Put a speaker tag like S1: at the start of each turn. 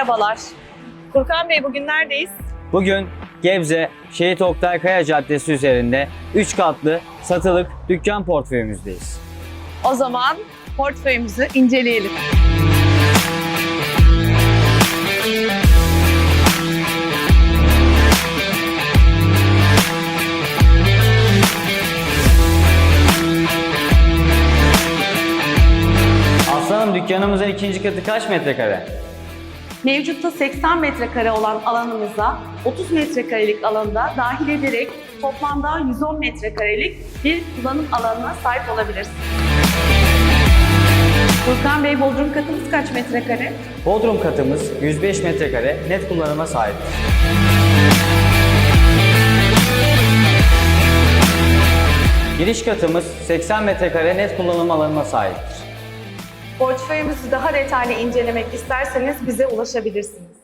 S1: Merhabalar. Furkan Bey, bugün neredeyiz?
S2: Bugün Gebze Şehit Oktay Kaya Caddesi üzerinde 3 katlı satılık dükkan portföyümüzdeyiz.
S1: O zaman portföyümüzü inceleyelim.
S2: Aslanım, dükkanımızın ikinci katı kaç metrekare?
S3: Mevcutta 80 metrekare olan alanımıza 30 metrekarelik alanda dahil ederek toplamda 110 metrekarelik bir kullanım alanına sahip olabilirsiniz. Furkan Bey, bodrum katımız kaç metrekare?
S2: Bodrum katımız 105 metrekare net kullanıma sahiptir. Giriş katımız 80 metrekare net kullanım alanına sahiptir.
S3: Portföyümüzü daha detaylı incelemek isterseniz bize ulaşabilirsiniz.